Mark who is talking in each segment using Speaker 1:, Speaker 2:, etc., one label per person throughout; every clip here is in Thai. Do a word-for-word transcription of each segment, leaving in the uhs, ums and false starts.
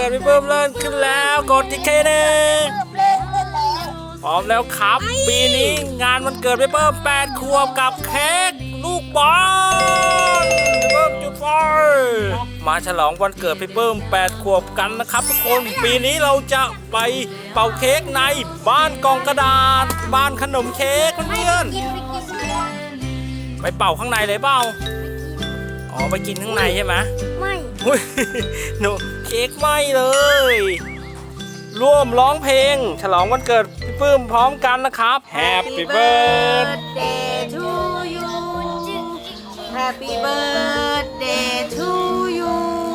Speaker 1: ดพี่เพิ่มเล่นขึ้นแล้วกดที่เคเน่พร้อมแล้วครับปีนี้งานวันเกิดพี่เพิ่มแปดขวบกับเค้กลูกบอลพี่เพิ่มจุดไฟมาฉลองวันเกิดพี่เพิ่มแปดขวบกันนะครับทุกคนปีนี้เราจะไปเป่าเค้กในบ้านกล่องกระดาษบ้านขนมเค้กเพื่อนๆไปเป่าข้างในเลยเปล่าอ๋อไปกินข้างในใช่ไหม
Speaker 2: ไม่
Speaker 1: หนูเค้กไม่เลยร่วมร้องเพลงฉลองวันเกิดพี่ปื้มพร้อมกันนะครับ Happy birthday
Speaker 2: to you Happy birthday to you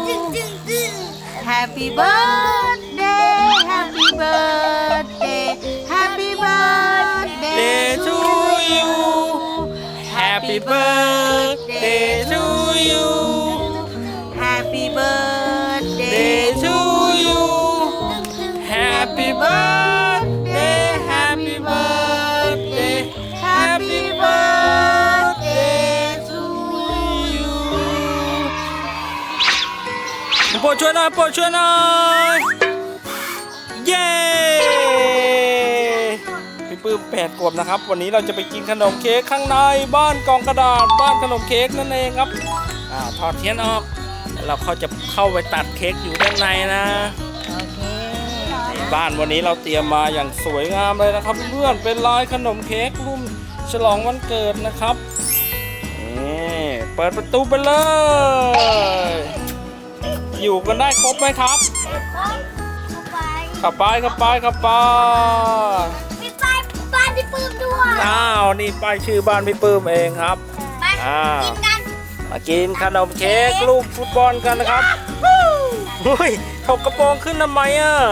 Speaker 2: Happy birthday Happy birthday Happy birthday
Speaker 1: to you Happy birthday to you
Speaker 2: Happy birthday
Speaker 1: to you Happy birthday Happy birthday Happy birthday to you โปรดช่วยหน่อยโปรดช่วยหน่อยเย้พี่ปื้มแปดขวบนะครับวันนี้เราจะไปกินขนมเค้กข้างในบ้านกล่องกระดาษบ้านขนมเค้กนั่นเองครับอ่าถอดเทียนออกแล้วเขาจะเข้าไปตัดเค้กอยู่ด้านในนะบ้านวันนี้เราเตรียมมาอย่างสวยงามเลยนะครับเพื่อนเป็นลายขนมเค้กรุ่นฉลองวันเกิดนะครับนี่เปิดประตูไปเลยอยู่กันได้ครบไหมครับขับไปขับไปขับไป
Speaker 2: มีป้ายบ้านพี่ปื้มด้วย
Speaker 1: อ้าวนี่ป้ายชื่อบ้านพี่ปื้มเองครับ
Speaker 2: อ่ากินกัน
Speaker 1: มากินขนมเค้กลูกฟุตบอลกันนะครับเฮ้ยถกกระโปรงขึ้นทำไมอ่ะ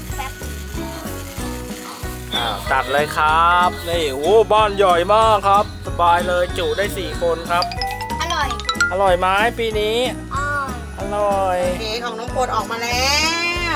Speaker 1: ตัดเลยครับนี่โอ้บ้านใหญ่มากครับสบายเลยจุได้สี่คนครับ
Speaker 2: อร่อย
Speaker 1: อร่อยไหมปีนี้อร่อย
Speaker 2: เค้กของน้องโปรดออกมาแล้ว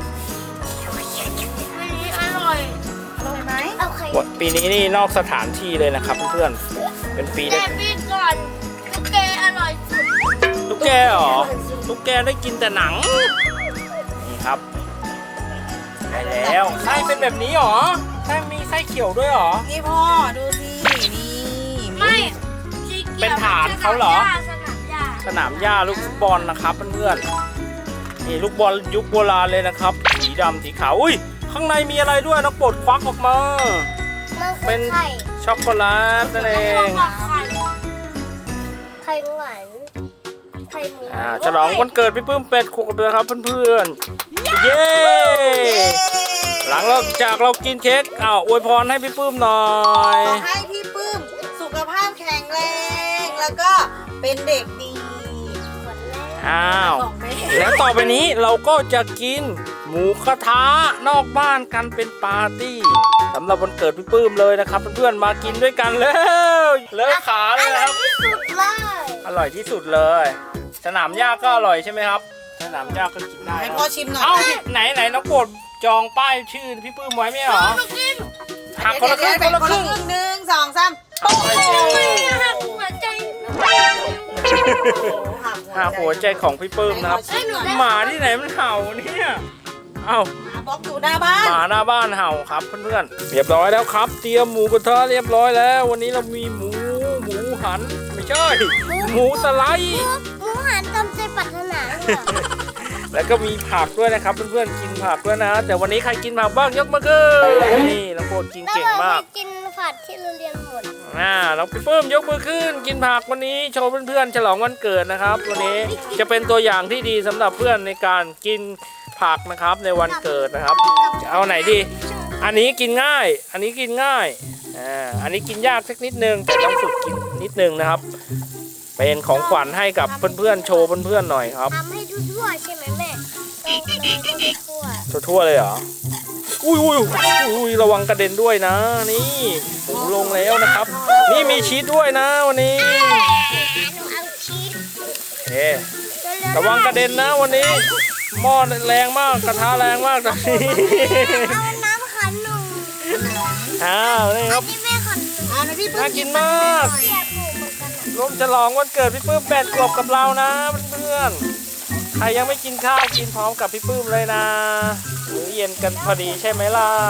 Speaker 2: ปีนี้อร่อยอร่อยไหม
Speaker 1: ปีนี้นี่นอกสถานที่เลยนะครับเพื่อนๆเป็นปี
Speaker 2: แต่ปีก่อนตุ๊กแกอร่อยสุด
Speaker 1: ตุ๊กแกเหรอตุ๊กแกได้กินแต่หนังนี่ครับได้แล้วไส้เป็นแบบนี้เหรอไส้มีไส้เขียวด้วยเหรอ
Speaker 2: นี่พ่อดูสินี่ไม่
Speaker 1: เป็นฐานเขาเหรอสนามหญ้าลูกฟุตบอลนะครับเพื่อนๆนี่ลูกบอลยุคโบราณเลยนะครับสีดำสีขาวอุ้ยข้างในมีอะไรด้วยน้องโปรดควักออกมาเป็นช็อกโกแลตนั่นเอง
Speaker 2: ไข่หวานไข่หมู
Speaker 1: อ่าฉลองวันเกิดพี่ปื้มเป็ดขวบเลยครับเพื่อนๆเย้หลังเราจากเรากินเค้กอ้าวอวยพรให้พี่ปื้มหน่อย
Speaker 2: ขอให้พี่ปื้มสุขภาพแข็งแรงแล้วก็เป็นเด็กดี
Speaker 1: อ้าวแล้วต่อไปนี้เราก็จะกินหมูกระทะนอกบ้านกันเป็นปาร์ตี้สำหรับวันเกิดพี่ปื้มเลยนะครับเพื่อนๆมากินด้วยกันเลยเลิกขาเลยครับอร่อยที่สุดเลยสนามหญ้าก็อร่อยใช่ไหมครับสนามหญ้าก็กินได้
Speaker 2: ให้พ่อชิมหน่อย
Speaker 1: เอ้าไหนไหนน้องโปรดจองป้ายชื่อพี่ปื้มไว้ไหมเหรอหักคนละครึ่งคนละครึ่ง
Speaker 2: หนึ่งสองสามโอ้โหหักหัวใจ
Speaker 1: หักหัวใจของพี่ปื้มนะครับหมาที่ไหนมันเห่าเนี่ยเอ้า
Speaker 2: บล็อกอยู่หน้าบ้าน
Speaker 1: หมาหน้าบ้านเห่าครับเพื่อนๆเรียบร้อยแล้วครับเตรียมหมูกระทะเรียบร้อยแล้ววันนี้เรามีหมูหมูหันไม่ใช่หมูสไลด์
Speaker 2: หมูหันตามใจปรารถนา
Speaker 1: แล้วก็มีผักด้วยนะครับเพื่อนๆกินผักด้วยนะแต่วันนี้ใครกินผักบ้างยกมาขึ้นนี่น้องโปรดกินเก่งมาก
Speaker 2: กินผักที่เราเรียนหมด
Speaker 1: อ่าเราพี่ปื้มยกมือขึ้นกินผักวันนี้โชว์เพื่อนๆฉลองวันเกิดนะครับวันนี้จะเป็นตัวอย่างที่ดีสำหรับเพื่อนในการกินผักนะครับในวันเกิดนะครับจะเอาไหนดีอันนี้กินง่ายอันนี้กินง่ายอ่าอันนี้กินยากสักนิดนึงแต่ต้องฝึกกินนิดนึงนะครับเป็นของขวัญให้กับเพื่อนๆโชว์เพื่อนๆหน่อยครับ
Speaker 2: ทำให้ทั่วๆใช่ไหมแม่
Speaker 1: ทั่วทั่วเลยเหรออุ้ยอุ้ยอุ้ยระวังกระเด็นด้วยนะนี่หมูลงแล้วนะครับนี่มีชีสด้วยนะวันนี้เอ๊ระวังกระเด็นนะวันนี้หม้อแรงมากกระทะแรงมากตอนนี้
Speaker 2: เอาน้ำขันหนู
Speaker 1: อ้าวนี่ครับน่ากินมากร่วมฉลองวันเกิดพี่ปื้มแปดขวบกับเรานะเพื่อนๆใครยังไม่กินข้าวกินพร้อมกับพี่ปื้มเลยนะมื้อเย็นกันพอดีใช่ไหมล่ะ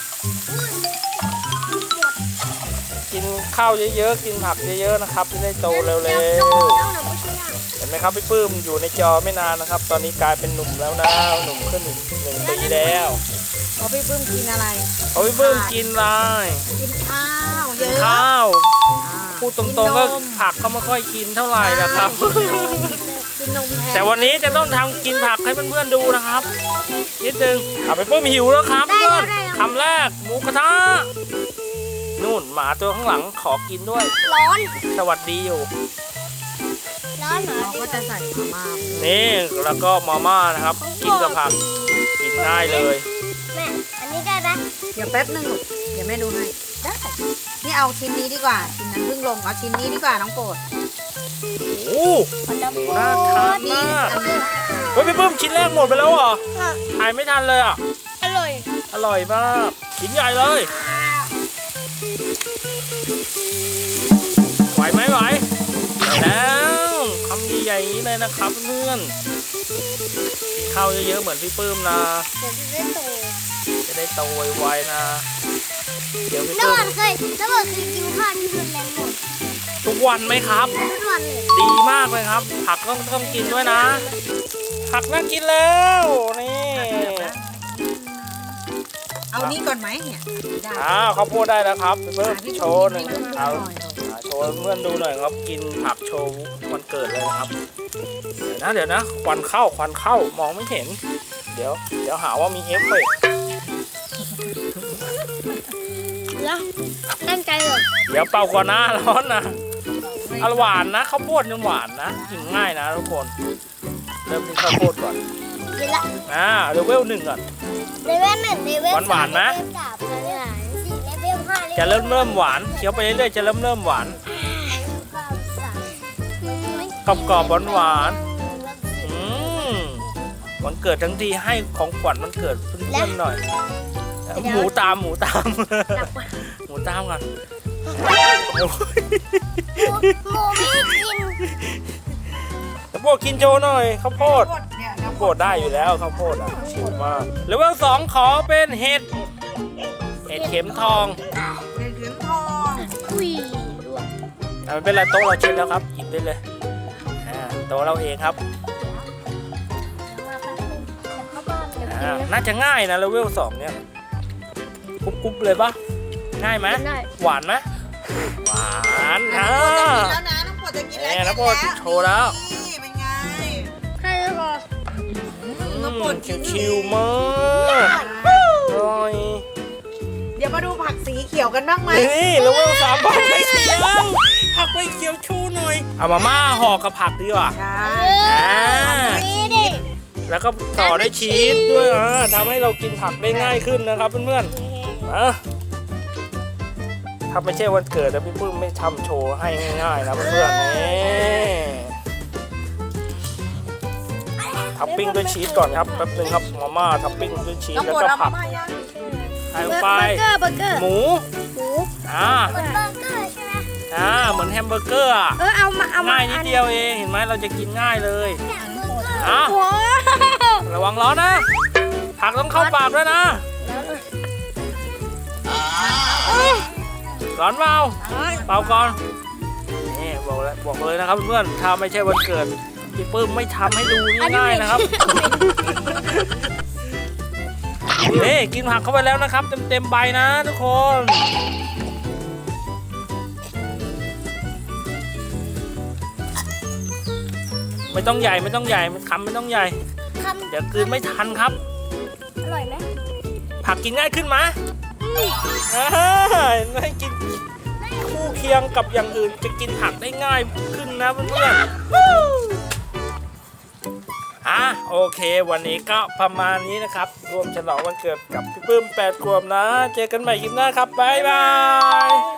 Speaker 1: กินข้าวเยอะๆกินผักเยอะๆนะครับจะได้โตเร็วๆเห็นไหมครับพี่ปื้มอยู่ในจอไม่นานนะครับ ตอนนี้กลายเป็นหนุ่มแล้วนะหนุ่มขึ้นหนึ่งปีแล้ว
Speaker 2: พอพี่ปื้มกินอะไร
Speaker 1: เอาพี่ปื้มกินอะไร
Speaker 2: กินข้าวเยอะ
Speaker 1: ข้าว
Speaker 2: อ่า
Speaker 1: พูดตรงๆก็ผักก็ไม่ค่อยกินเท่าไหร่นะครับ
Speaker 2: กินนมแทน
Speaker 1: แต่วันนี้จะต้องทำกินผักให้เพื่อนๆดูนะครับนิดนึงเอาไปเพิ่มหิวแล้วครับเพื่อนคำแรกหมูกระทะนู่นหมาตัวข้างหลังขอกินด้วย
Speaker 3: ร้อน
Speaker 1: สวัสดีอยู่
Speaker 3: ร้อนเหรอ
Speaker 2: เราก็จะใส่มาม่า
Speaker 1: นี่แล้วก็มาม่านะครับ กินกับผักกินง่ายเลย
Speaker 3: แม่อันนี้ได้ไหม
Speaker 2: เดี๋ยวแป๊บนึงลูกเดี๋ยวแม่ดูให้ได้นี่เอาชิ้นนี้ดีกว่าชิ้นนั้นเพิ่งลงเอาชิ้นนี้ดีกว่าน้องโปรด
Speaker 1: โอ้หมูน่าทาน
Speaker 2: นี่
Speaker 1: มาก
Speaker 2: อันนี้
Speaker 1: เฮ้ยพี่เพิ่มชิ้นแรกหมดไปแล้วเหรอถ่ายไม่ทันเลยอ่ะ
Speaker 3: อร่อย
Speaker 1: อร่อยมากชิ้นใหญ่เลยไหวไหมไหวไหวแล้วคำใหญ่ๆอย่างนี้เลยนะครับเพื่อนกินข้าวเยอะๆเหมือนพี่ปื้มนะ
Speaker 3: เดี๋ยวจะได้โต
Speaker 1: จะได้โตไวๆนะ เดี๋ยวพี่
Speaker 3: น้ำ
Speaker 1: ปื้
Speaker 3: มั
Speaker 1: ม
Speaker 3: นเคยน้ำมันเคยกินข้าวที่รุนแรงหมด
Speaker 1: ทุกวันไหมครับ
Speaker 3: ทุกวันเลย
Speaker 1: ดีมากเลยครับ ผักต้องต้องกินด้วยนะ ผักน่ากินแล้วนี่
Speaker 2: เอานี่ก่อนไหมเนี่ยได้
Speaker 1: อ้าวข้าวโพดได้แล้วครับพี่เพิ่ม
Speaker 2: พี่
Speaker 1: โชว์หนึ่ง
Speaker 2: พี่ปื้ม
Speaker 1: เอา
Speaker 2: หน่อยลูก
Speaker 1: อ่าโชว์เพื่อนดูหน่อยครับ กินผักโชว์วันเกิดเลยนะครับ เดี๋ยวนะเดี๋ยวนะควันเข้าควันเข้ามองไม่เห็น เดี๋ยว เดี๋ยวหาว่ามีเอฟเฟกต์
Speaker 3: แล้วตั้งใจเหรอ
Speaker 1: เดี๋ยวเป่าก่อนนะร้อนนะอร่หวานนะข้าวโพดนี่หวานนะกินง่ายนะทุกคน เริ่มที่ข้าวโพดก่อน
Speaker 3: กินละ
Speaker 1: อ่าเลเวลหนึ่งก่อน
Speaker 3: เลเวลหนึ่งเลเวล
Speaker 1: หวานๆนะ
Speaker 3: เลเวลสามเลเวลสี่เลเวลห้าเลเวล
Speaker 1: จะเริ่มเริ่มหวานเคี้ยวไปเรื่อยๆจะเริ่มเริ่มหวาน กรอบกรอบหวานหวานๆอืมวันเกิดทั้งทีให้ของขวัญวันเกิดเพื่อนๆหน่อย หมูตามหมูตาม หมูตามก่อน
Speaker 3: หมูหมูไม่กิน
Speaker 1: ข้าวโพดกินโชว์หน่อยข้าวโพด
Speaker 2: เนี่ย
Speaker 1: ข้าวโพดได้อยู่แล้วข้าวโพดอ่ะชิมมากเลเวลสองขอเป็นเห็ดเห็ดเข็มทอง
Speaker 2: เป็นเขียงทอง
Speaker 3: อุ้ย
Speaker 1: อ่ะไม่เป็นไรโต๊ะเราเช็ดแล้วครับหยิบได้เลยอ่าโต๊ะเราเองครับอ่าน่าจะง่ายนะเลเวลสองเนี่ยกรุบกรุบเลยปะง่ายไหม
Speaker 3: ได้
Speaker 1: หวานไหมหวานอ่า
Speaker 2: น้องโปรดจะกินแล้วนะน้องโปรดจะกินแล้ว
Speaker 1: เนี่ยน้องโปรดโชว์แล้ว
Speaker 2: นี่เป็นไง
Speaker 3: ใครจะบอก
Speaker 2: น้องโปรดกิน
Speaker 1: ชิวๆมากอร่อย
Speaker 2: เดี๋ยวมาดูผักสีเขียวกันบ้างไหม
Speaker 1: นี่เลเวลสามผักใบเขียวผักใบเขียวชูหน่อยเอามาม่าห่อกับผักดีกว่า
Speaker 2: ใช่
Speaker 1: อ่า
Speaker 3: นี่ดิ
Speaker 1: แล้วก็ต่อด้วยชีสด้วยอ่าทำให้เรากินผักได้ง่ายขึ้นนะครับเพื่อนๆนะถ้าไม่ใช่วันเกิดนะพี่ปื้มไม่ทำโชว์ให้ง่ายๆนะเพื่อนๆนี่ทับปิ้งด้วยชีสก่อนครับแป๊บนึงครับมาม่าทับปิ้งด้วยชีส
Speaker 2: น้อง
Speaker 1: แล้ว
Speaker 2: โปรด
Speaker 1: ก็
Speaker 2: เอา
Speaker 1: ผั
Speaker 2: มาก ม่าย่าง
Speaker 1: ใส่ลง
Speaker 3: เบ
Speaker 1: ไป
Speaker 3: อร์เกอร์เบอร์เกอร์
Speaker 1: หมู
Speaker 3: หมู
Speaker 1: อ่า
Speaker 3: เบอร์เกอร์ใช่ไหม
Speaker 1: อ่าเหมือนแฮมเบอร์เกอร์อ่ะ
Speaker 3: เออเอามาเอามา
Speaker 1: ง่ายนิดเดียวเองเห็นไหมเราจะกินง่ายเลย
Speaker 3: เนี่ยเบอร์เกอร์
Speaker 1: อ่ะ
Speaker 3: โอ้
Speaker 1: ระวังร้อนนะผักต้องเข้าปากด้วยนะร้อนเปล่าเปล่าก่อนนี่บอกแล้วบอกเลยนะครับเพื่อนถ้าไม่ใช่วันเกิดพี่ปื้มไม่ทำให้ดูง่ายๆนะครับนี่กินผักเข้าไปแล้วนะครับเต็มๆใบนะทุกคนไม่ต้องใหญ่ไม่ต้องใหญ่คำไม่ต้องใหญ่
Speaker 3: คำ
Speaker 1: เดี๋ยวกลืนไม่ทันครับ
Speaker 3: อร่อยไหม
Speaker 1: ผักกินง่ายขึ้นไหมอ่าให้กินคู่เคียงกับอย่างอื่นจะกินผักได้ง่ายขึ้นนะเพื่อนๆอ่ะโอเค วันนี้ก็ประมาณนี้นะครับรวมฉลองวันเกิดกับพี่ปื้มแปดขวบนะ เจอกันใหม่คลิปหน้าครับบ๊ายบาย